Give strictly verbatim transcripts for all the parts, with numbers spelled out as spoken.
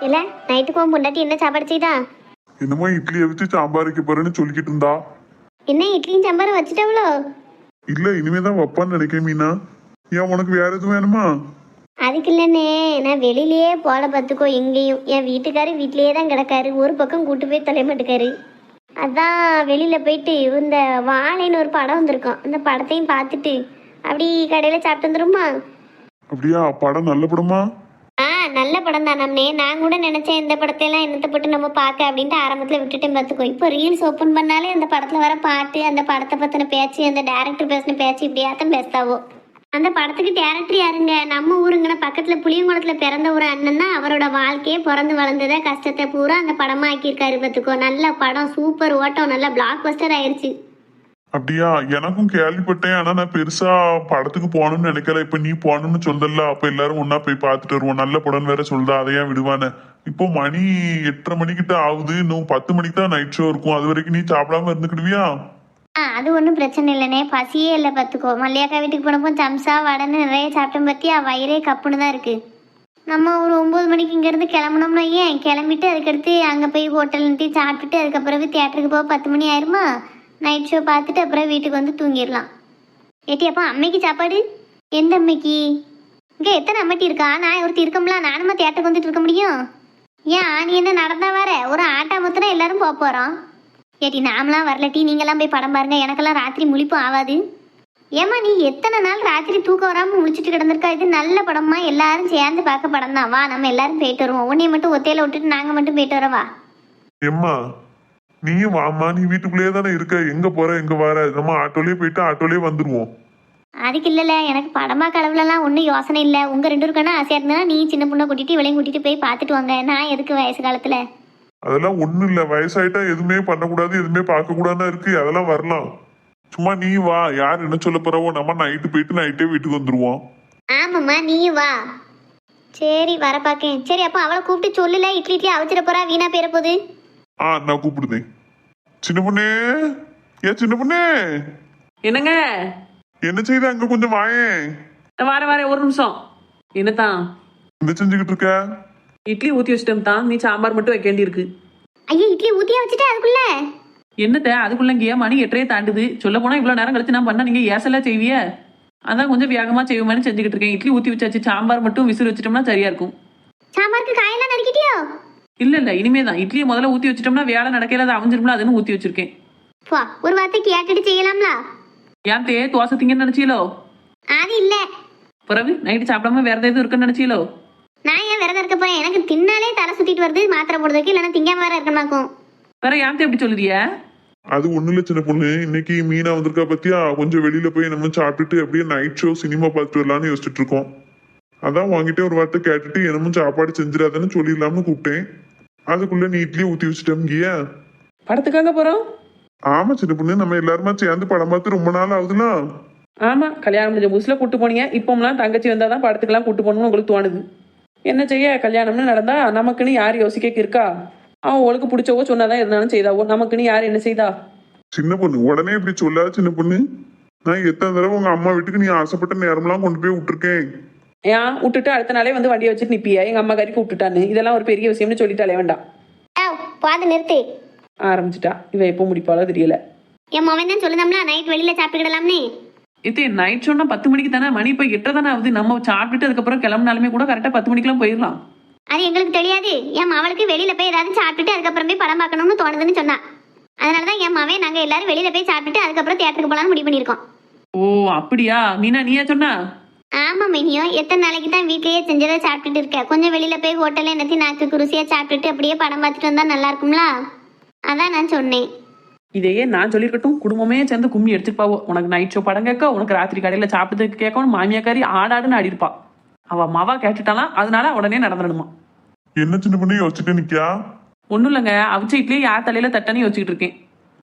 இல்ல நைட்டுக்கு உன் பொண்டாட்டி என்ன சாப்பாடு செய்தா? என்னமோ இட்லியை வச்சு சாம்பார் வைக்க போறேன்னு சொல்லிக்கிட்டு இருந்தா. என்ன இட்லியும் சாம்பாரும் வச்சுட்டாவளோ? இல்ல இனிமேதான் வைப்பான்னு நினைக்கிறேன் மீனா. ஏன் உனக்கு வேற எதுவும் வேணுமா? அதுக்கு இல்லைன்னே, நான் வெளியிலேயே போல பார்த்துக்கோ. எங்கேயும் என் வீட்டுக்காரு வீட்டிலேயே தான் கிடக்காரு, ஒரு பக்கம் கூட்டு போய் தொலை மாட்டுக்காரு. அதான் வெளியில போயிட்டு இந்த வாழைன்னு ஒரு படம் வந்திருக்கோம், அந்த படத்தையும் பார்த்துட்டு அப்படி கடையில சாப்பிட்டு வந்துருமா? அப்படியா? படம் நல்ல படமா? ஆ நல்ல படம் தான் நம்மனே. நான் கூட நினைச்சேன் இந்த படத்தையெல்லாம் என்னத்தை போட்டு நம்ம பார்க்க அப்படின்ட்டு ஆரம்பத்தில் விட்டுட்டேன் பார்த்துக்கோ. இப்போ ரீல்ஸ் ஓப்பன் பண்ணாலே அந்த படத்தில் வர பாட்டு, அந்த படத்தை பற்றின பேச்சு, அந்த டேரக்டர் பேசின பேச்சு இப்படியாத்தான் பேசுதாவோ. அந்த படத்துக்கு டேரக்டர் யாருங்க? நம்ம ஊருங்கன பக்கத்தில் புளியங்குளத்தில் பிறந்த ஒரு அண்ணன் தான். அவரோட வாழ்க்கையே பிறந்து வளர்ந்ததை கஷ்டத்தை பூரா அந்த படமாக ஆக்கியிருக்காரு பார்த்துக்கோ. நல்ல படம், சூப்பர் ஓட்டம், நல்ல பிளாக் பஸ்டர் ஆயிடுச்சு. அப்படியா? எனக்கும் கேள்விப்பட்டேன். ஆனா நான் பெருசா படத்துக்கு போகணும்னு நினைக்கல. இப்ப நீ போகணும்னு சொல்லல, அப்ப எல்லாரும் ஒன்னா போய் பார்த்துட்டு வருவோம். நல்ல படம் வேற சொல்லுதா, அதையா விடுவானே. இப்போ மணி எட்டரை மணிக்கிட்ட ஆகுது. இன்னும் பத்து மணிக்கு தான் நைட் ஷோ இருக்கும். அது வரைக்கும் நீ சாப்பிடாம இருந்துக்கிடுவியா? ஆ அது ஒன்றும் பிரச்சனை இல்லைனே, பசியே இல்லை பார்த்துக்கோ. மல்லியாக்கா வீட்டுக்கு போனப்போ சம்சா வடன்னு நிறைய சாப்பிட்டோம் பற்றியா, வயிறே கப்புன்னு தான் இருக்குது. நம்ம ஒரு ஒம்பது மணிக்கு இங்கேருந்து கிளம்புனோம்னா ஏன் கிளம்பிட்டு அதுக்கடுத்து அங்கே போய் ஹோட்டல்ன்ட்டு சாப்பிட்டுட்டு அதுக்கப்புறம் தியேட்டருக்கு போக பத்து மணி ஆயிருமா? நைட் ஷோ பார்த்துட்டு அப்புறம் வீட்டுக்கு வந்து தூங்கிடலாம். ஏட்டி அப்போ அம்மைக்கு சாப்பாடு? எந்த அம்மைக்கு? இங்கே எத்தனை அம்மைட்டி இருக்கா? நான் ஒருத்தி இருக்கோம்ல, நானுமா தியேட்டருக்கு வந்துட்டு இருக்க முடியும்? ஏன் நீ என்ன நடந்தா வர? ஒரு ஆட்டா மொத்தனா எல்லாரும் போக போகிறோம். ஏட்டி நாமலாம் வரலட்டி, நீங்களாம் போய் படம் பாருங்க, எனக்கெல்லாம் ராத்திரி முழிப்பும் ஆகாது. ஏம்மா நீ எத்தனை நாள் ராத்திரி தூக்கம் வராமல் முழிச்சிட்டு கிடந்திருக்கா? இது நல்ல படமா, எல்லாரும் சேர்ந்து பார்க்க படம் தான். வா நம்ம எல்லாரும் போயிட்டு வருவோம். உன்னைய மட்டும் ஒத்தையில விட்டுட்டு நாங்கள் மட்டும் போயிட்டு வரவா? எம்மா நீயும் வாமா, நீ வீட்டுக்குள்ளேயே தானே இருக்க. எங்க போற எங்க வர? நம்ம ஆட்டோலயே போயிட்டு ஆட்டோலயே வந்துருவோம். அதுக்கு இல்லைல்ல, எனக்கு படமா கடவுளெல்லாம் ஒன்றும் யோசனை இல்லை. உங்கள் ரெண்டு பேருக்கான ஆசையாக இருந்தா நீ சின்ன பொண்ணை கூட்டிகிட்டு இவளையும் கூட்டிகிட்டு போய் பார்த்துட்டு வாங்க. நான் எதுக்கு வயசு காலத்தில்? அதெல்லாம் ஒண்ணும் இல்ல. வயசாயிட்டா எதுவுமே பண்ணக்கூடாது, எதுவுமே பார்க்க கூடாதுன்னு இருக்கு. அதெல்லாம் வரலாம். சும்மா நீ வா. யார் என்ன சொல்ல போறவோ, நம்ம நைட்டு போயிட்டு நைட்டே வீட்டுக்கு வந்துருவோம். ஆமாம்மா நீயும் வா. சரி வர பார்க்கேன். சரி அப்போ அவளை கூப்பிட்டு சொல்லல, இட்லி இட்லி அவிச்சிட போறா, வீணா பேர போகுது. ஆ நான் கூப்பிடுதேன். சின்ன பொண்ணே, ஏ சின்ன பொண்ணே, என்னங்க? என்ன செய்த? அங்க கொஞ்சம் வாயேன். வார வார ஒரு நிமிஷம். என்னதான் என்ன செஞ்சுக்கிட்டு இருக்க? இட்லி ஊத்தி வச்சிட்டோம் தான், நீ சாம்பார் மட்டும் வைக்க வேண்டியிருக்கு. ஐயா இட்லி ஊத்தியா வச்சுட்டு அதுக்குள்ள என்னத்த அதுக்குள்ளங்கிய மணி எட்டரையே தாண்டுது. சொல்ல போனா இவ்வளவு நேரம் கழிச்சு நான் பண்ணா நீங்க ஏசெல்லாம் செய்விய. அதான் கொஞ்சம் வேகமா செய்வோம்னு செஞ்சுக்கிட்டு இருக்கேன். இட்லி ஊத்தி வச்சாச்சு, சாம்பார் மட்டும் விசிறு வச்சிட்டோம்னா சரியா இருக்கும். சாம்பாருக்கு காயெல்லாம் நறுக்கிட்டியோ? இல்ல இல்ல இனிமே தான். இட்லியை முதல்ல ஊத்தி வச்சிட்டோம்னா வேலை நடக்கல, அது அவஞ்சிரும்ல, அதுன்னு ஊத்தி வச்சிருக்கேன். பா ஒரு வார்த்தை கேட்டுட்டு செய்யலாம்ல. ஏன் தே தோசை திங்கன்னு நினைச்சீலோ? அது இல்ல. பிறகு நைட்டு சாப்பிடாம வேற ஏதாவது இருக்குன்னு நினைச்சீலோ? நான் ஏன் விரதம் இருக்க போறேன்? எனக்கு தின்னாலே தலை சுத்திட்டு வருது, மாத்திரை போடுறதுக்கு. இல்லைன்னா திங்காம வேற இருக்கமாக்கும். வேற ஏன் எப்படி சொல்லுறிய? அது ஒண்ணு இல்ல சின்ன பொண்ணு, இன்னைக்கு மீனா வந்திருக்கா பத்தியா? கொஞ்சம் வெளியில போய் நம்ம சாப்பிட்டுட்டு அப்படியே நைட் ஷோ சினிமா பார்த்துட்டு வரலான்னு யோசிச்சுட்டு இருக்கோம். அதான் வாங்கிட்டே ஒரு வார்த்தை கேட்டுட்டு என்னமும் சாப்பாடு செஞ்சிடாதான்னு சொல்லிடலாம்னு கூப்பிட்டேன். அதுக்குள்ள நீ இட்லி ஊத்தி வச்சுட்டோம்கிய. படத்துக்காக போறோம்? ஆமா சின்ன பொண்ணு, நம்ம எல்லாருமா சேர்ந்து படம் பார்த்து ரொம்ப நாள் ஆகுதுல. ஆமா, கல்யாணம் முடிஞ்ச புதுசுல கூட்டு போனீங்க. இப்போம்லாம் தங்கச்சி வந்தாதான் படத்துக்கெல்லாம் கூட்டு போகணும்னு உங்களுக்கு தோணுது. என்ன செய்ய, கல்யாணம்னு நடந்தா நமக்குன்னு யார் யோசிக்க இருக்கா? அவன் அவளுக்கு பிடிச்சவோ சொன்னாதான் இருந்தாலும் செய்தாவோ, நமக்குன்னு யார் என்ன செய்தா? சின்ன பொண்ணு உடனே இப்படி சொல்லாத சின்ன பொண்ணு. நான் எத்தனை தடவை உங்க அம்மா வீட்டுக்கு நீ ஆசைப்பட்ட நேரம்லாம் கொண்டு போய் விட்டுருக்கேன். ஏன் விட்டுட்டு அடுத்த நாளே வந்து வண்டியை வச்சுட்டு நிப்பியா? எங்க அம்மா கறிக்கு விட்டுட்டான்னு இதெல்லாம் ஒரு பெரிய விஷயம்னு சொல்லிட்டாலே வேண்டாம். பாது நிறுத்து. ஆரம்பிச்சுட்டா. இவ எப்போ முடிப்பாளோ தெரியல. என் மவன் தான் சொல்லுதாம்ல நைட் வெளியில சாப்பிட்டுக்கிடலாம்னு. இது நைட் சொன்னா பத்து மணிக்கு தானே, மணி இப்போ எட்டரை தானே ஆகுது. நம்ம சாப்பிட்டுட்டு அதுக்கப்புறம் கிளம்பினாலுமே கூட கரெக்டா பத்து மணிக்கெல்லாம் போயிடலாம். அது எங்களுக்கு தெரியாது. என் மவளுக்கு வெளியில போய் ஏதாவது சாப்பிட்டுட்டு அதுக்கப்புறம் போய் படம் பார்க்கணும்னு தோணுதுன்னு சொன்னா. அதனாலதான் என் மவன் நாங்க எல்லாரும் வெளியில போய் சாப்பிட்டுட்டு அதுக்கப்புறம் தியேட்டருக்கு போலான்னு முடிவு பண்ணிருக்கோம். ஓ அப்படியா? மீனா நீயா சொன்னா? ஆமா மினியோ, எத்தனை நாளைக்கு தான் வீட்லயே செஞ்சதை சாப்பிட்டுட்டு இருக்க? கொஞ்சம் வெளியில போய் ஹோட்டல்ல என்னத்தி நாக்கு ருசியா சாப்பிட்டுட்டு அப்படியே படம் பார்த்துட்டு வந்தா நல்லா இருக்கும்ல. அதான் நான் சொன்னேன். இதையே நான் சொல்லிருக்கட்டும், குடும்பமே சேர்ந்து கும்மி எடுத்துப்பாவோ. உனக்கு நைட் ஷோ படம் கேட்க, உனக்கு ராத்திரி கடையில சாப்பிட்டதுக்கு கேட்கணும். மாமியாக்காரி ஆடாடுன்னு ஆடி இருப்பா. அவ மாவா கேட்டுட்டாலாம், அதனால உடனே நடந்துடணுமா. என்ன சின்ன பொண்ணு யோசிச்சுட்டு நிக்கியா? ஒன்றும் இல்லைங்க, அவிச்ச இட்லியே யார் தலையில தட்டன்னு யோசிச்சுட்டு இருக்கேன்.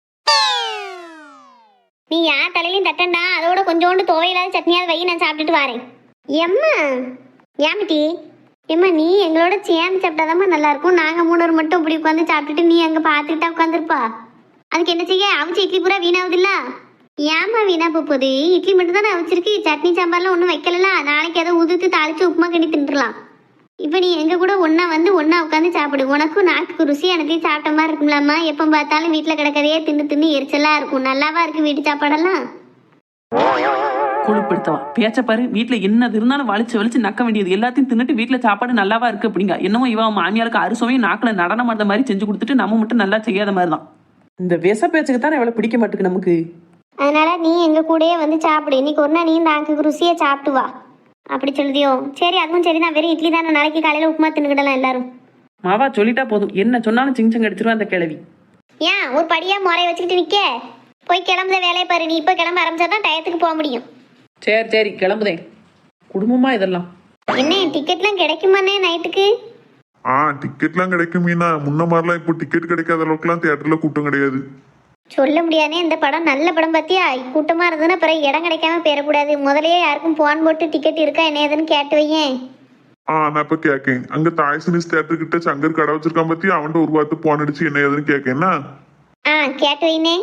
நீ யார் தலையிலையும் தட்டண்டா, அதோட கொஞ்சோண்டு துவையில்லாத சட்னியாவது வை, நான் சாப்பிட்டுட்டு வரேன். எம்மா ஏமிட்டி எம்மா, நீ எங்களோட சேர்ந்து சாப்பிட்டாதாம்மா நல்லா இருக்கும். நாங்கள் மூணு மட்டும் இப்படி உட்காந்து சாப்பிட்டுட்டு நீ அங்கே பார்த்துக்கிட்டா உட்காந்துருப்பா. அதுக்கு என்ன செய்ய? அவிச்ச இட்லி பூரா வீணாகுதுல்ல. ஏமா வீணா போகுது? இட்லி மட்டும் தானே அவிச்சிருக்கு, சட்னி சாம்பார்லாம் ஒன்றும் வைக்கல. நாளைக்கு அதை உதுத்து தாளிச்சு உப்புமா கட்டி தின்றுலாம். இப்போ நீ எங்க கூட ஒண்ணா வந்து ஒண்ணா உட்காந்து சாப்பிடு. உனக்கும் நாக்குக்கு ருசி எனக்கு சாப்பிட்ட மாதிரி இருக்கும்லாமா? எப்போ பார்த்தாலும் வீட்டில் கிடக்கதையே தின்னு தின்னு எரிச்சலா இருக்கும். நல்லாவா இருக்கு வீட்டு சாப்பாடெல்லாம்? கொழுப்படுத்தவா பேச்ச பாரு. வீட்டுல என்னது இருந்தாலும் வலிச்சு வலிச்சு நக்க வேண்டியது எல்லாத்தையும் தின்னுட்டு வீட்டுல சாப்பாடு நல்லாவா இருக்கு அப்படிங்க. என்னமோ இவன் மாமியாருக்கு அறுசுவையும் நாக்குல நடனம் ஆடுற மாதிரி செஞ்சு கொடுத்துட்டு நம்ம மட்டும் நல்லா செய்யாத மாதிரி தான். இந்த விச பேச்சுக்கு தானே எவ்வளவு பிடிக்க மாட்டுக்கு நமக்கு. அதனால நீ எங்க கூடயே வந்து சாப்பிடு. இன்னைக்கு ஒரு நாள் நீ நாக்குக்கு ருசியை சாப்பிட்டு வா. அப்படி சொல்லுதியோ? சரி, அதுவும் சரி தான். வெறும் இட்லி தானே. நாளைக்கு காலையில உப்புமா தின்னுக்கிடலாம் எல்லாரும். மாவா சொல்லிட்டா போதும். என்ன சொன்னாலும் சிங்சங்க அடிச்சிருவா அந்த கிழவி. ஏன் ஒரு படியா முறைய வச்சுக்கிட்டு நிக்க? போய் கிளம்புற வேலையை பாரு. நீ இப்போ கிளம்ப ஆரம்பிச்சாதான் டயத்துக்கு போக முடியும். சரி சரி கிளம்புதேன். குடும்பமா இதெல்லாம் என்ன டிக்கெட்லாம் கிடைக்குமாண்ணே நைட்டுக்கு? ஆ டிக்கெட்லாம் கிடைக்கும் மீனா. முன்ன மாதிரிலாம் இப்போ டிக்கெட் கிடைக்காத அளவுக்குலாம் தியேட்டர்ல கூட்டம் கிடையாது. சொல்ல முடியாதே. இந்த படம் நல்ல படம் பார்த்தியா? கூட்டமா இருந்ததுன்னா பிறகு இடம் கிடைக்காம போயிடக்கூடாது. முதலையே யாருக்கும் போன் போட்டு டிக்கெட் இருக்கா என்ன ஏதுன்னு கேட்டு வையேன். ஆ நான் இப்ப கேக்கேன். அங்க தாய் சினிஸ் தியேட்டர் கிட்ட சங்கர் கடை வச்சிருக்கான் பத்தி அவன்கிட்ட ஒரு வார்த்தை போன் அடிச்சு என்ன ஏதுன்னு கேக்கேன்னா. ஆ கேட்டு வைனே.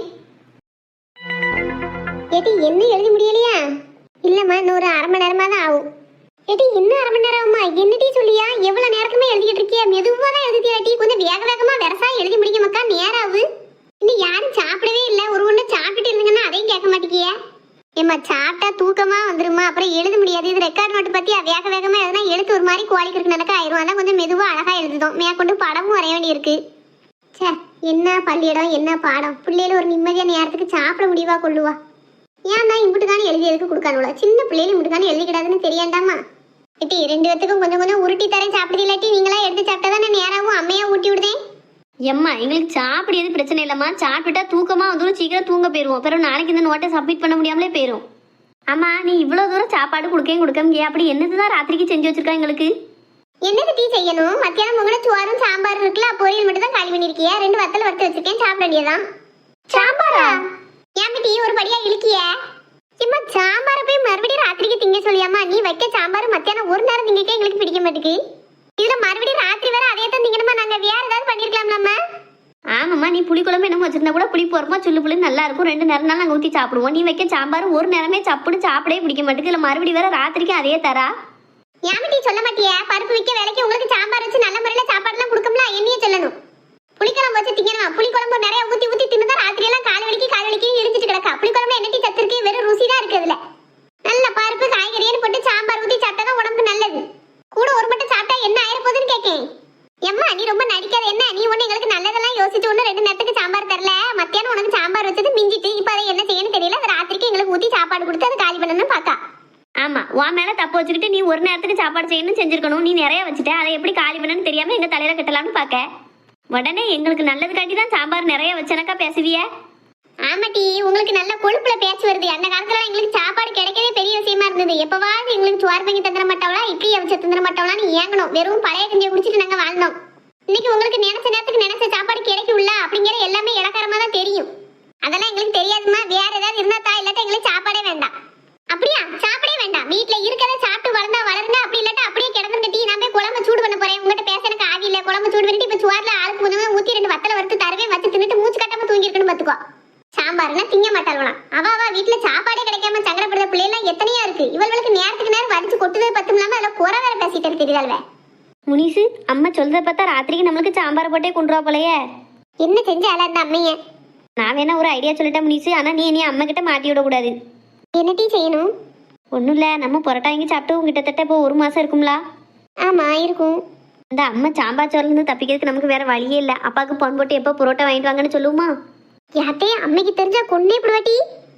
ஏடி என்ன எழுதி முடியலையா? இல்லம்மா, இன்னொரு அரை மணி நேரமா தான் ஆகும். ஏடி இன்னும் அரை மணி நேரம் ஆகுமா? என்னடி சொல்லியா? எவ்வளவு நேரத்துமே எழுதிட்டு இருக்கியா? மெதுவா தான் எழுதிட்டியாட்டி. கொஞ்சம் வேக வேகமா வெரசா எழுதி முடிக்க மக்கா. நேரம் ஆகு. இன்னும் யாரும் சாப்பிடவே இல்லை. ஒரு ஒண்ணு சாப்பிட்டுட்டு இருந்தீங்கன்னா அதையும் கேட்க மாட்டேங்கிய. ஏம்மா சாப்பிட்டா தூக்கமா வந்துருமா? அப்புறம் எழுத முடியாது. இது ரெக்கார்ட் நோட்டு பத்தியா? வேக வேகமா எழுதுனா எழுத்து ஒரு மாதிரி குவாலிக்கு நடக்க ஆயிரும். அதான் கொஞ்சம் மெதுவா அழகா எழுதுதோம். மேற்கொண்டு படமும் வரைய வேண்டி இருக்கு. சே, என்ன பள்ளியிடம் என்ன பாடம். பிள்ளைகள் ஒரு நிம்மதியான நேரத்துக்கு சாப்பிட முடிவா கொள்ளுவா? ஏன் தான் இம்புட்டு தானே எழுதி எதுக்கு கொடுக்கானுல? சின்ன பிள்ளைகள் இம்புட்டு தானே எழுதிக்கிடாதுன்னு தெரியாண்டாமா? ஏட்டி ரெண்டு பேத்துக்கும் கொஞ்சம் கொஞ்சம் உருட்டி தரேன் சாப்பிடுது. இல்லாட்டி நீங்களா எடுத்து சாப்பிட்டா தானே நேராகவும் அம்மையா ஊட்டி விடுதேன். எம்மா எங்களுக்கு சாப்பிடுறது பிரச்சனை இல்லைம்மா. சாப்பிட்டா தூக்கமா வந்துடும். சீக்கிரம் தூங்க போயிடுவோம். பிறகு நாளைக்கு இந்த நோட்டை சப்மிட் பண்ண முடியாமலே போயிடும். ஆமா, நீ இவ்வளோ தூரம் சாப்பாடு கொடுக்கவே கொடுக்க அப்படி என்னதுதான் ராத்திரிக்கு செஞ்சு வச்சிருக்கா எங்களுக்கு? என்னது டீ செய்யணும்? மத்தியானம் உங்களோட சோறும் சாம்பார் இருக்குல்ல, பொரியல் மட்டும் தான் காலி பண்ணிருக்கியா? ரெண்டு வத்தல் வறுத்து வச்சிருக்கேன், சாப்பிட வேண்டியதான். சாம்பாரா? ஏன் டீ ஒரு படியா இழுக்கிய? இம்மா சாம்பாரை போய் மறுபடியும் ராத்திரிக்கு திங்க சொல்லியாமா? நீ வைக்க சாம்பார் மத்தியானம் ஒரு நேரம் திங்கக்கே எங்களுக்கு பிடிக்க மாட்டேங்குது. இதுல மறுபடியும் ராத்திரி வேற அதே தான் திங்கணுமா? நாங்க வேற ஏதாவது பண்ணிருக்கலாம் நம்ம. ஆமாம்மா, நீ புளி குழம்பு என்னமோ வச்சிருந்தா கூட புளி போறமா சுள்ளு புளி நல்லா இருக்கும். ரெண்டு நேரம் நாங்கள் ஊற்றி சாப்பிடுவோம். நீ வைக்க சாம்பார் ஒரு நேரமே சப்புன்னு சாப்பிடவே பிடிக்க மாட்டேங்குது. இல்லை மறுபடியும் வேற ராத்திரிக்கு அதே தரா. ஏமிட்டி சொல்ல மாட்டியா? பருப்பு வைக்க வேலைக்கு உங்களுக்கு சாம்பார் வச்சு நல்ல முறையில் சாப்பாடுலாம் கொடுக்கணும்ல, என்னையே சொல்லணும். புளிக்குழம்பு வச்சு திங்கணும். புளிக்குழம்பு நிறைய ஊற்றி ஊற்றி தின்னு தான் ராத்திரி எல்லாம் கால் வலிக்கு கால் வலிக்கு இழுத்துட்டு கிடக்கா. புளிக்குழம்பு என்னட்டி சத்து இருக்கு? வெறும் ருசி தான் இருக்கு. அதுல நல்ல பருப்பு காய்கறின்னு போட்டு சாம்பார் ஊற்றி சாப்பிட்டா தான் உடம்புக்கு நல்லது. கூட ஒரு மட்டும் சாப்பிட்டா என்ன ஆயிர போகுதுன்னு கேட்கேன். எம்மா நீ ரொம்ப நடிக்காத. என்ன நீ ஒண்ணு எங்களுக்கு நல்லதெல்லாம் யோசிச்சு ஒண்ணு ரெண்டு நேரத்துக்கு சாம்பார் தரல. மத்தியானம் உனக்கு சாம்பார் வச்சது மிஞ்சிட்டு இப்ப அதை என்ன செய்யணும் தெரியல. அது ராத்திரிக்கு எங்களுக்கு ஊத்தி சாப்பாடு கொடுத்து அதை காலி பண்ணணும்னு பாக்கா. ஆமா, உன் மேல தப்பு வச்சுக்கிட்டு நீ ஒரு நேரத்துக்கு சாப்பாடு செய்யணும்னு செஞ்சிருக்கணும். நீ நிறைய வச்சுட்ட. அதை எப்படி காலி பண்ணணும்னு தெரியாம எங்க தலையில கட்டலாம்னு பாக்க. உடனே எங்களுக்கு நல்லது காட்டி தான் சாம்பார் நிறைய வச்சனக்கா பேசுவிய. ஆமாட்டி, உங்களுக்கு நல்ல கொழுப்புல பேச்சு வருது. அந்த காலத்துல எங்களுக்கு சாப்பாடு கிடைக்கவே பெரிய விஷயமா இருந்தது. எப்பவாவது எங்களுக்கு சோறு பங்கி தந்துட மாட்டவளா, இட்லி வச்சு தந்துட மாட்டவளான்னு ஏங்கணும். வெறும் பழைய கஞ்சியை குடிச்சிட்டு நாங்க வாழ்ந்தோம். இன்னைக்கு உங்களுக்கு நினைச்ச நேரத்துக்கு நினைச்ச சாப்பாடு கிடைக்கும்ல அப்படிங்கிற எல்லாமே இலக்காரமா தான் தெரியும். அதெல்லாம் எங்களுக்கு தெரியாதுமா. வேற ஏதாவது இருந்தா தா, இல்லாட்டா எங்களுக்கு சாப்பாடே வேண்டாம். அப்படியா? சாப்பிடவே வேண்டாம். வீட்டுல இருக்கதை சாப்பிட்டு வளர்ந்தா வளருங்க. அப்படி இல்லாட்டா அப்படியே கிடந்து கட்டி நான் போய் குழம்பு சூடு பண்ண போறேன். உங்ககிட்ட பேச எனக்கு ஆவி இல்ல. குழம்பு சூடு பண்ணிட்டு இப்ப சுவார்ல ஆளுக்கு கொஞ்சமா ஊத்தி ரெண்டு வத்தல வறுத்து தரவே வச்சு தின்னுட்டு மூச்சு கட்டாம தூங்கி இருக்கணும் பாத்துக்கோ. சாம்பார்னா திங்க மாட்டாள்வலாம். அவ அவ வீட்டுல சாப்பாடே கிடைக்காம சங்கடப்படுற பிள்ளைலாம் எத்தனையா இருக்கு. இவளுக்கு நேரத்துக்கு நேரம் வடிச்சு கொட்டுதல் பத்தும் இல்லாம அதில் குறை வேற பேசிட்டு தெரியுதாள்வே. முனிசு, அம்மா சொல்றத பார்த்தா ராத்திரிக்கு நம்மளுக்கு சாம்பார் போட்டே கொண்டுவா போலையே. என்ன செஞ்சால அந்த அம்மைய? நான் வேணா ஒரு ஐடியா சொல்லிட்டேன் முனிசு. ஆனா நீ நீ அம்மா கிட்ட மாட்டி விடக்கூடாது. என்ன டீ செய்யணும்? ஒன்றும் இல்லை, நம்ம புரோட்டா வாங்கி சாப்பிட்டு கிட்டத்தட்ட இப்போ ஒரு மாசம் இருக்கும்ல. ஆமா இருக்கும். இந்த அம்மா சாம்பார் சோறுலேருந்து தப்பிக்கிறதுக்கு நமக்கு வேற வழியே இல்லை. அப்பாவுக்கு பொன் போட்டு எப்போ புரோட்டா வாங்கிட்டு வாங்கன்னு சொல்லுவோமா? யார்ட்டே அம்மைக்கு தெரிஞ்சா கொன்னே பிடுவாட்டி.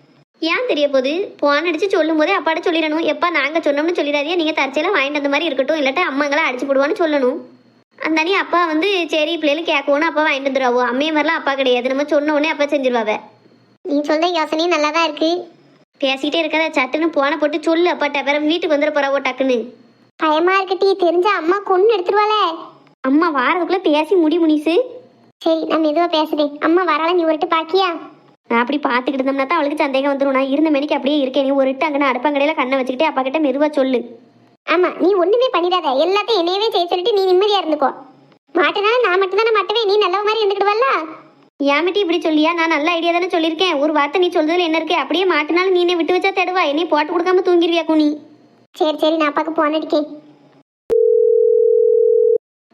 ஏன் தெரிய போகுது? போன் அடிச்சு சொல்லும் போதே அப்பாட்ட சொல்லிடணும். எப்பா நாங்கள் சொன்னோம்னு சொல்லிடாதீங்க, நீங்கள் தற்செயலாக வாங்கிட்டு வந்த மாதிரி இருக்கட்டும், இல்லாட்டா அம்மாங்களை அடிச்சு போடுவான்னு சொல்லணும். அந்த அண்ணி அப்பா வந்து சரி பிள்ளைகளுக்கு கேட்கணும் அப்பா வாங்கிட்டு வந்துடுவாவோ. அம்மையை மாதிரிலாம் அப்பா கிடையாது. நம்ம சொன்ன உடனே அப்பா செஞ்சிருவாவ. நீ சொல்ற யோசனையும் நல்லா தான் இருக்கு. பேசிக்கிட்டே இருக்காத, சட்டுன்னு போனை போட்டு சொல்லு அப்பாட்ட. வேற வீட்டுக்கு வந்துட போறாவோ டக்குன்னு. பயமா இருக்கட்டி, தெரிஞ்சா அம்மா கொண்டு எடுத்துருவாளே. அம்மா வாரதுக்குள்ள பேசி முடி முனிசு. சரி நான் மெதுவா பேசுறேன். அம்மா வரால நீ ஒருட்டு பாக்கியா? நான் அப்படி பார்த்துக்கிட்டு இருந்தோம்னா தான் அவளுக்கு சந்தேகம் வந்துடும். நான் இருந்த மணிக்கு அப்படியே இருக்கேன். நீ ஒரு அங்கே அடுப்பங்கடையில கண்ணை வச்சுக்கிட்டே அப்பா கிட்ட மெதுவா சொல்லு. ஆமா, நீ ஒண்ணுமே பண்ணிடாத. எல்லாத்தையும் என்னையவே செய்ய சொல்லிட்டு நீ நிம்மதியா இருந்துக்கோ. மாட்டேனாலும் நான் மட்டும் தானே மாட்டவே. நீ நல்ல மாதிரி இருந்துக்கிடுவல்ல. ஏமிட்டி இப்படி சொல்லியா? நான் நல்ல ஐடியா தானே சொல்லியிருக்கேன். ஒரு வார்த்தை நீ சொல்றதுல என்ன இருக்கு? அப்படியே மாட்டினாலும் நீ என்னை விட்டு வச்சா தடுவா. என்னையும் போட்டு கொடுக்காம தூங்கிடுவியா கூனி? சரி சரி நான் அப்பாவுக்கு போன் அடிக்கேன்.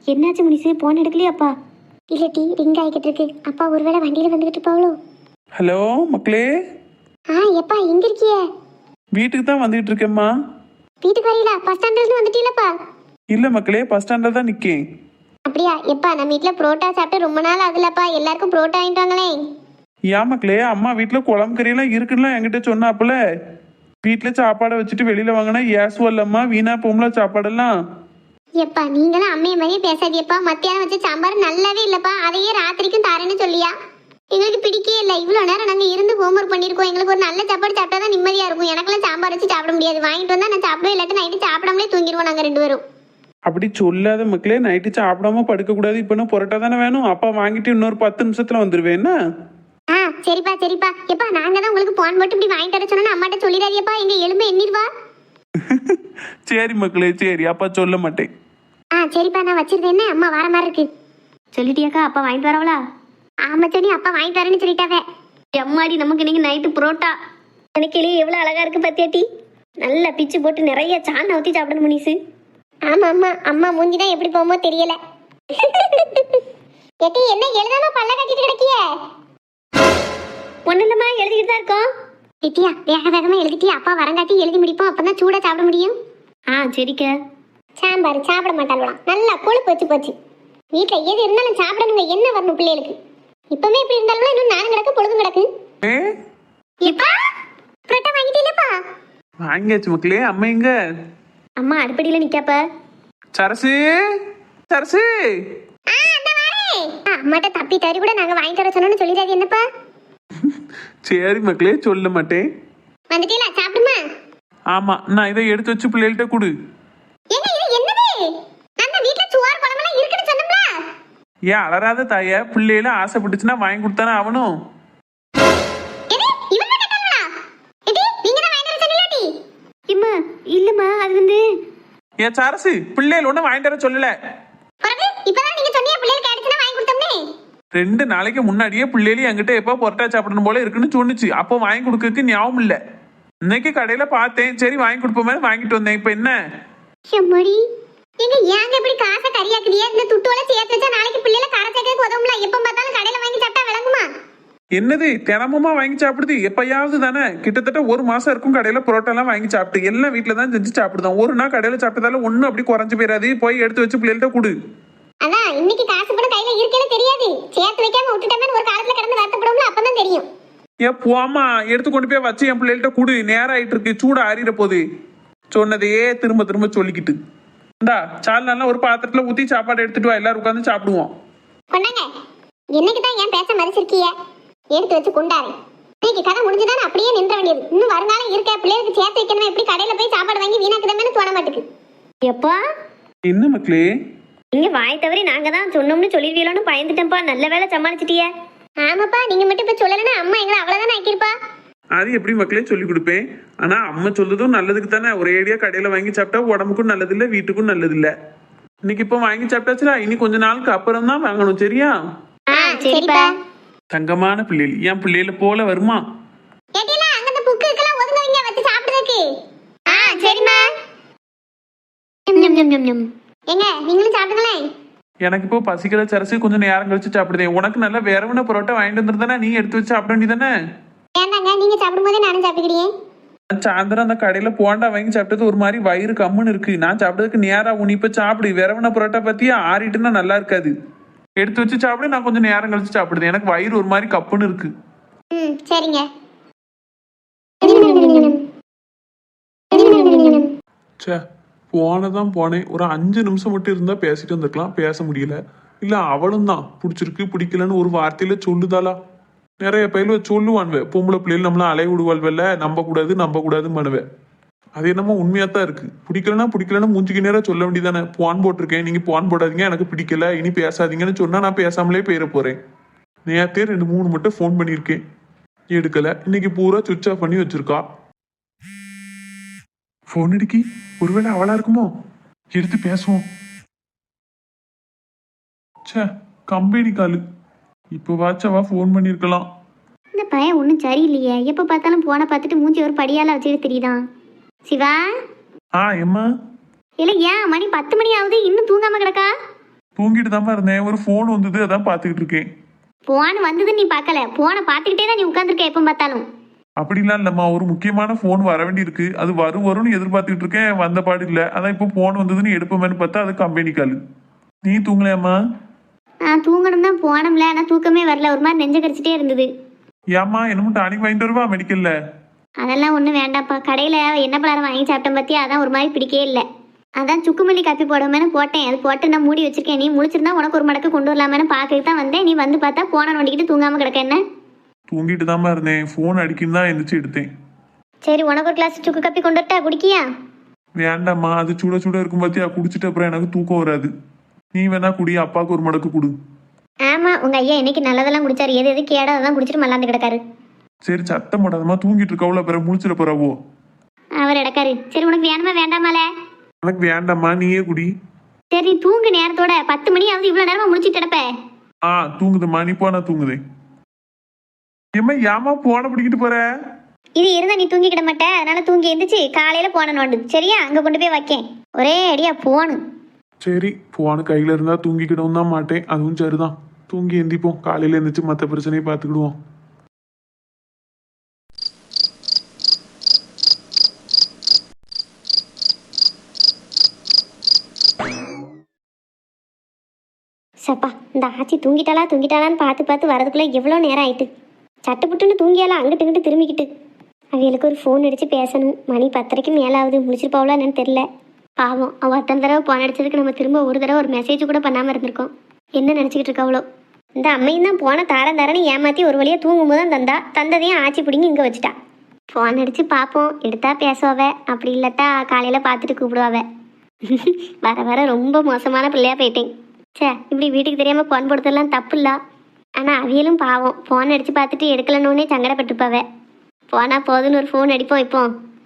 என்னாச்சு முனிசு, போன் எடுக்கலையாப்பா? இல்லை டீ ரிங் ஆகிக்கிட்டு இருக்கு. அப்பா ஒருவேளை வண்டியில் வந்துக்கிட்டு இருப்பாவளோ? ஹலோ மக்களே, ஆ எப்பா எங்க இருக்கியே? வீட்டுக்கு தான் வந்துகிட்டு இருக்கேம்மா. வீட்டுக்கு வரீங்களா? பஸ் ஸ்டாண்ட்ல இருந்து வந்துட்டீங்களப்பா? இல்லை மக்களே, பஸ் ஸ்டாண்டில் தான் நிற்கேன். அப்படியா? எப்பா நம்ம வீட்டில் புரோட்டா சாப்பிட்டு ரொம்ப நாள் ஆகுதுலப்பா, எல்லாருக்கும் புரோட்டா வாங்கிட்டு வாங்களே. ஏன் மக்களே, அம்மா வீட்டில் குழம்பு கறியெல்லாம் இருக்குன்னா என்கிட்ட சொன்னாப்புல. வீட்டில் சாப்பாடை வச்சுட்டு வெளியில் வாங்கினா ஏசுவல்லம்மா, வீணா போம்ல சாப்பாடெல்லாம். எப்பா நீங்களும் அம்மைய மாதிரியே பேசாதியப்பா. மத்தியானம் வச்ச சாம்பார் நல்லாவே இல்லப்பா, அதையே ராத்திரிக்கும் தாரேன்னு சொல்லியா? எங்களுக்கு பிடிக்கவே இல்லை. இவ்வளோ நேரம் நாங்கள் இருந்து ஹோம்ஒர்க் பண்ணியிருக்கோம். எங்களுக்கு ஒரு நல்ல சாப்பாடு சாப்பிட்டா தான் நிம்மதியாக இருக்கும். எனக்கெல்லாம் சாம்பார் வச்சு சாப்பிட முடியாது. வாங்கிட்டு வந்தால் நான் சாப்பிடுவேன், இல்லாட்டி நைட்டு சாப்பிடாமலே தூங்கிடுவோம் நாங்கள் ரெண்டு பேரும். அப்படி சொல்லாத மக்களே, நைட்டு சாப்பிடாம படுக்கக்கூடாது. இப்போ நான் புரோட்டா தானே வேணும். அப்பா வாங்கிட்டு இன்னொரு பத்து நிமிஷத்தில் வந்துடுவேன். என்ன? ஆ சரிப்பா சரிப்பா. எப்பா நாங்கள் தான் உங்களுக்கு போன் போட்டு இப்படி வாங்கிட்டு வர சொன்னோன்னு அம்மாட்ட சொல்லிடாதியப்பா, எங்கள் எலும்பு எண்ணிடுவா. சரி மக்களே, சரி, அப்பா சொல்ல மாட்டேன். ஆ சரிப்பா, நான் வச்சிருந்தேன். என்ன அம்மா வர மாதிரி இருக்கு. சொல்லிட்டியாக்கா? அப்பா வாங்கிட்டு வரவளா? ஆமா சொன்னி, அப்பா வாங்கிட்டு வரேன்னு சொல்லிட்டாவே. எம்மாடி, நமக்கு இன்னைக்கு நைட்டு புரோட்டா. எனக்கு எவ்வளோ அழகா இருக்கு பத்தியாட்டி. நல்லா பிச்சு போட்டு நிறைய சாண் ஊற்றி சாப்பிடணும் முனிசு. ஆமா ஆமா, அம்மா மூஞ்சி தான் எப்படி போகுமோ தெரியல. எட்டி என்ன எழுதாம பல்ல கட்டிட்டு கிடக்கிய? ஒன்றும் இல்லம்மா, எழுதிக்கிட்டு தான் இருக்கோம். எட்டியா வேக வேகமா எழுதிட்டியா? அப்பா வரங்காட்டி எழுதி முடிப்போம், அப்பதான் சூடா சாப்பிட முடியும். ஆ சரிக்க. சாம்பார் சாப்பிட மாட்டாங்களாம், நல்லா கொழுப்பு வச்சு போச்சு. வீட்டில் எது இருந்தாலும் சாப்பிடணுங்க, என்ன வரணும் பிள்ளைகளுக்கு? இப்பவே இப்படி இருந்தாலும் இன்னும் நானும் கிடக்கு பொழுதும் கிடக்கு. இப்பா புரோட்டா வாங்கிட்டீங்களப்பா? வாங்கியாச்சு மக்களே. அம்மா எங்க? அம்மா அடுப்படியில் நிற்காப்ப. சரசு, சரசு. அம்மாட்ட தப்பி தறி கூட நாங்கள் வாங்கிட்டு வர சொன்னோன்னு சொல்லிடாது என்னப்பா? சரி மக்களே, சொல்ல மாட்டேன். வந்துட்டீங்களா? சாப்பிடுமா? ஆமா, நான் இதை எடுத்து வச்சு பிள்ளைகள்கிட்ட கொடு. ஏங்க இது என்னது? நம்ம வீட்ல சுவார் குழம்பெல்லாம் இருக்குன்னு சொன்னோம்ல. ஏன் அலறாத தாய, பிள்ளைகள ஆசைப்பட்டுச்சுன்னா வாங்கி கொடுத்தானே ஆகணும். எது இவங்க கேட்டாங்களா? எடி நீங்க தான் வாங்கிட்டு வர சொன்னீங்களாடி? இம்மா இல்லம்மா, அது வந்து ஏன் சரசு, பிள்ளைகள் ஒன்றும் வாங்கிட்டு வர சொல்லல. பிறகு இப்பதான் நீங்க சொன்னீங்க பிள்ளைகளுக்கு ஆயிடுச்சுன்னா வாங்கி கொடுத்தோம்னே. ரெண்டு நாளைக்கு முன்னாடியே பிள்ளைகள் என்கிட்ட எப்போ பொரோட்டா சாப்பிடணும் போல இருக்குன்னு சொன்னுச்சு. அப்போ வாங்கி கொடுக்கறதுக்கு ஞாபகம் இல்லை. இன்னைக்கு கடையில பார்த்தேன், சரி வாங்கி கொடுப்போமே வாங்கிட்டு வந்தேன். இப்போ என்ன? எம்மடி எங்க ஏங்க இப்படி காசை கரியாக்குறியா? இந்த துட்டோல சேர்த்து வச்சா நாளைக்கு பிள்ளைல கார சேர்க்க உதவும்ல. எப்ப பார்த்தாலும் கடையில வாங்கி சாப்பிட்டா விளங்குமா? என்னது தினமுமா வாங்கி சாப்பிடுது? எப்பயாவது தானே. கிட்டத்தட்ட ஒரு மாசம் இருக்கும் கடையில புரோட்டா எல்லாம் வாங்கி சாப்பிட்டு. எல்லாம் வீட்டுல தான் செஞ்சு சாப்பிடுதான். ஒரு நாள் கடையில சாப்பிட்டதால ஒன்னும் அப்படி குறைஞ்சு போயிடாது. போய் எடுத்து வச்சு பிள்ளைகிட்ட கொடு. அதான் இன்னைக்கு காசு கூட கையில இருக்கேன்னு தெரியாது. சேர்த்து வைக்காம விட்டுட்டோம்னு ஒரு காலத்துல கடந்து வருத்தப்படும்ல, அப்பதான் தெரியும். ஏ போமா, எடுத்து கொண்டு போய் வச்சு என் பிள்ளைகிட்ட கொடு. நேரம் ஆயிட்டு இருக்கு, சூட அறிகிற போது. சொன்னதையே திரும்ப திரும்ப சொல்லிக்கிட்டு. இந்தா சால் நல்லா ஒரு பாத்திரத்துல ஊத்தி சாப்பாடு எடுத்துட்டு வா, எல்லாரும் உட்காந்து சாப்பிடுவோம். கொண்டாங்க. என்னைக்கு தான் ஏன் பேச மதிச்சிருக்கிய? எடுத்து வச்சு கொண்டாரு. இன்னைக்கு கதை முடிஞ்சுதானே அப்படியே நின்ற வேண்டியது. இன்னும் வருங்காலம் இருக்க பிள்ளைகளுக்கு சேர்த்து வைக்கணும். எப்படி கடையில போய் சாப்பாடு வாங்கி வீணாக்குதமே தோண மாட்டுக்கு. எப்பா என்ன மக்களே? நீங்க வாய் தவறி நாங்க தான் சொன்னோம்னு சொல்லிடுவீங்களோன்னு பயந்துட்டேன்ப்பா. நல்ல வேலை சமாளிச்சிட்டிய. ஆமாப்பா, நீங்க மட்டும் இப்ப சொல்லலைன்னா அம்மா எங்களை அவ்வளவுதானே ஆக்கிருப்பா. அது எப்படி மக்களே சொல்லி கொடுப்பேன். ஆனா அம்மா சொல்றதும் நல்லதுக்கு தானே. ஒரே ஐடியா கடையில வாங்கி சாப்பிட்டா உடம்புக்கும் நல்லது இல்ல, வீட்டுக்கும் நல்லது இல்ல. இன்னைக்கு இப்ப வாங்கி சாப்பிட்டாச்சுல, இனி கொஞ்ச நாளுக்கு அப்புறம் தான் வாங்கணும். சரியா? சரிப்பா. தங்கமான பிள்ளைகள் என் பிள்ளைகள போல வருமா? கேட்டினா அங்க அந்த புக்கு எல்லாம் ஒதுங்கவங்க வச்சு சாப்பிடுறதுக்கு. ஆ சரிமா. ஞம் ஞம் ஞம் ஞம். ஏங்க நீங்களும் சாப்பிடுங்களே. எனக்கு இப்போ பசிக்கிற சரசு, கொஞ்சம் நேரம் கழிச்சு சாப்பிடுதேன். உனக்கு நல்லா வேறவன பரோட்டா வாங்கிட்டு வந்துருந்தானே, நீ எடுத்து வச்சு சாப்பிட வேண்டியதானே. ஏண்டாங்க நீங்க சாப்பிடும்போதே நானும் சாப்பிடுறேன். சாயந்தரம் அந்த கடையில போண்டா வாங்கி சாப்பிட்டது ஒரு மாதிரி வயிறு கம்முன்னு இருக்கு. நான் சாப்பிட்டதுக்கு நேரம் உனி இப்ப சாப்பிடு. வேறவன பரோட்டா பத்தியா ஆறிட்டுன்னா நல்லா இருக்காது. எடுத்து வச்சு சாப்பிடு, நான் கொஞ்சம் நேரம் கழிச்சு சாப்பிடுது. எனக்கு வயிறு ஒரு மாதிரி கப்புன்னு இருக்கு. ம் சரிங்க. சே போனதான் போனேன். ஒரு அஞ்சு நிமிஷம் மட்டும் இருந்தா பேசிட்டு வந்துருக்கலாம். பேச முடியல. இல்ல அவளும் தான் பிடிச்சிருக்கு பிடிக்கலன்னு ஒரு வார்த்தையில சொல்லுதாளா. நிறைய பயில சொல்லுவான்வே, பொம்பளை பிள்ளைகள் நம்மள அலைய விடுவாள்வல்ல, நம்ப கூடாது நம்ப கூடாதுன்னு பண்ணுவேன். அது என்னமோ உண்மையா தான் இருக்கு. பிடிக்கலன்னா பிடிக்கலன்னா மூஞ்சிக்கு நேரம் சொல்ல வேண்டியதானே. போன் போட்டிருக்கேன், நீங்க போன் போடாதீங்க, எனக்கு பிடிக்கல, இனி பேசாதீங்கன்னு சொன்னா நான் பேசாமலே போயிட போறேன். நேரத்தே ரெண்டு மூணு மட்டும் ஃபோன் பண்ணியிருக்கேன், எடுக்கல. இன்னைக்கு பூரா சுவிட்ச் ஆஃப் பண்ணி வச்சிருக்கா. போன் அடிக்கி, ஒருவேளை அவளா இருக்குமோ? எடுத்து பேசுவோம். சே கம்பெனி காலு. இப்போ வாச்சவா ஃபோன் பண்ணியிருக்கலாம். இந்த பையன் ஒன்றும் சரியில்லையே. எப்போ பார்த்தாலும் போனை பார்த்துட்டு மூஞ்சி ஒரு படியால வச்சுட்டு தெரியுதான். சிவா. ஆ எம்மா. இல்லை ஏன் மணி பத்து மணி ஆகுது இன்னும் தூங்காம கிடக்கா? தூங்கிட்டு தாம்மா இருந்தேன். ஒரு ஃபோன் வந்தது, அதான் பார்த்துக்கிட்டு இருக்கேன். போன் வந்தது நீ பார்க்கல, போனை பார்த்துக்கிட்டே தான் நீ உட்காந்துருக்க எப்போ பார்த்தாலும். அப்படிலாம் இல்லம்மா, ஒரு முக்கியமான ஃபோன் வர வேண்டி இருக்கு. அது வரும் வரும்னு எதிர்பார்த்துக்கிட்டு இருக்கேன். வந்த பாடு இல்லை. அதான் இப்போ ஃபோன் வந்ததுன்னு எடுப்போமேன்னு பார்த்தா அது கம்பெனி கால். நீ தூங்கலையாம்மா? நான் தூங்கணும் தான் போனோம்ல, ஆனால் தூக்கமே வரல, ஒரு மாதிரி நெஞ்ச கடிச்சிட்டே இருந்தது. ஏம்மா என்னமோ டானிக் வாங்கிட்டு வருவா மெடிக்கல்ல? அதெல்லாம் ஒன்றும் வேண்டாம்ப்பா, கடையில் என்ன பலகாரம் வாங்கி சாப்பிட்டேன் பார்த்தியா, அதான் ஒரு மாதிரி பிடிக்கவே இல்லை. அதான் சுக்குமல்லி காப்பி போடாமனு போட்டேன், அது போட்டு நான் மூடி வச்சிருக்கேன். நீ முழிச்சிருந்தா உனக்கு ஒரு மடக்கு கொண்டு வரலாமேனு பார்க்கறதுக்கு தான் வந்தேன். நீ வந்து பார்த்தா போன நோண்டிக்கிட்டு தூங்காமல் கிடக்க என்ன? தூங்கிட்டு தாம்மா இருந்தேன். ஃபோன் அடிக்குன்னு தான் எந்திரிச்சு எடுத்தேன். சரி, உனக்கு ஒரு கிளாஸ் சுக்கு காப்பி கொண்டு வரட்டா, குடிக்கியா? வேண்டாம்மா, அது சுட சுட இருக்கும் பார்த்தியா, குடிச்சிட்டு அப்புறம் எனக்கு தூக்கம் வராது. நீ வேணா குடி, அப்பாவுக்கு ஒரு மடக்கு கொடு. ஆமாம், உங்கள் ஐயா இன்னைக்கு நல்லதெல்லாம் குடிச்சாரு, எது எது கேடோ அதான் குடிச்சிட்டு மல்லாந்து கிடக்காரு. சரி சத்தம் போடாதம்மா, தூங்கிட்டு இருக்கவள அப்புறம் முழிச்சிட போறாவோ. அவர் இடக்காரு. சரி, உனக்கு வேணுமா வேண்டாமால? எனக்கு வேண்டாம்மா, நீயே குடி. சரி தூங்கு நேரத்தோட, பத்து மணி ஆகுது, இவ்வளோ நேரமா முடிச்சிட்டு கிடப்ப. ஆ தூங்குதும்மா, நீ போனா தூங்குதே. ஏம்மா ஏமா போன பிடிக்கிட்டு போற? இது இருந்தா நீ தூங்கிக்கிட மாட்ட, அதனால தூங்கி எந்திரிச்சு காலையில போன நோண்டு. சரியா, அங்க கொண்டு போய் வைக்கேன். ஒரே அடியா போனு. சரி, போன கையில இருந்தா தூங்கிக்கிடவும் தான் மாட்டேன். அதுவும் சரிதான். தூங்கி எந்திப்போம், காலையில எந்திரிச்சு மற்ற பிரச்சனையை பார்த்துக்கிடுவோம். சப்பா, இந்த ஆச்சி தூங்கிட்டாளா தூங்கிட்டாளான்னு பார்த்து பார்த்து வரதுக்குள்ள எவ்வளோ நேரம் ஆயிட்டு. சட்டுப்புட்டுன்னு தூங்கியாலாம் அங்கிட்டு இங்கிட்டு திரும்பிக்கிட்டு. அவளுக்கு ஒரு ஃபோன் அடித்து பேசணும். மணி பத்தரைக்கு மேலே ஆகுது, முடிச்சிருப்பாவளா என்னன்னு தெரில. பாவம், அவள் அத்தனை தடவை ஃபோன் அடிச்சதுக்கு நம்ம திரும்ப ஒரு தடவை ஒரு மெசேஜ் கூட பண்ணாமல் இருந்திருக்கோம். என்ன நினச்சிக்கிட்டு இருக்காவளோ? இந்த அம்மையும் தான் போன தாரம் தாரன்னு ஏமாற்றி ஒரு வழியாக தூங்கும்போது தான் தந்தா, தந்ததையும் ஆச்சி பிடிங்கி இங்கே வச்சுட்டா. ஃபோன் அடித்து பார்ப்போம், எடுத்தா பேசுவாவ, அப்படி இல்லாட்டா காலையில் பார்த்துட்டு கூப்பிடுவாவ. வர வர ரொம்ப மோசமான பிள்ளையாக போயிட்டேன். சே, இப்படி வீட்டுக்கு தெரியாமல் ஃபோன் போடுறதெல்லாம் தப்பு இல்லை. ஆனால் அவியலும் பாவம், ஃபோன் அடித்து பார்த்துட்டு எடுக்கலன்னொன்னே சங்கடப்பட்டுப்பாவ. போனா போதுன்னு ஒரு ஃபோன் அடிப்போம் இப்போ.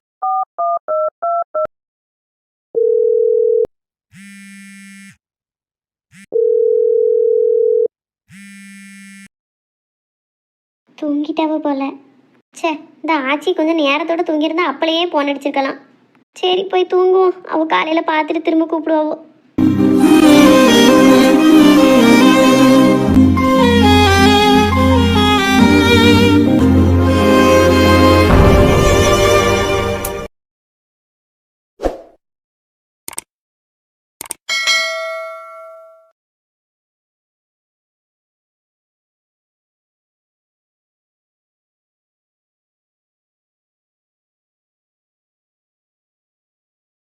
தூங்கிட்டாவ போல. சே, இந்த ஆச்சி கொஞ்சம் நேரத்தோட தூங்கியிருந்தா அப்பளையே ஃபோன் அடிச்சிருக்கலாம். சரி போய் தூங்குவோம், அவள் காலையில் பார்த்துட்டு திரும்ப கூப்பிடுவாவோ.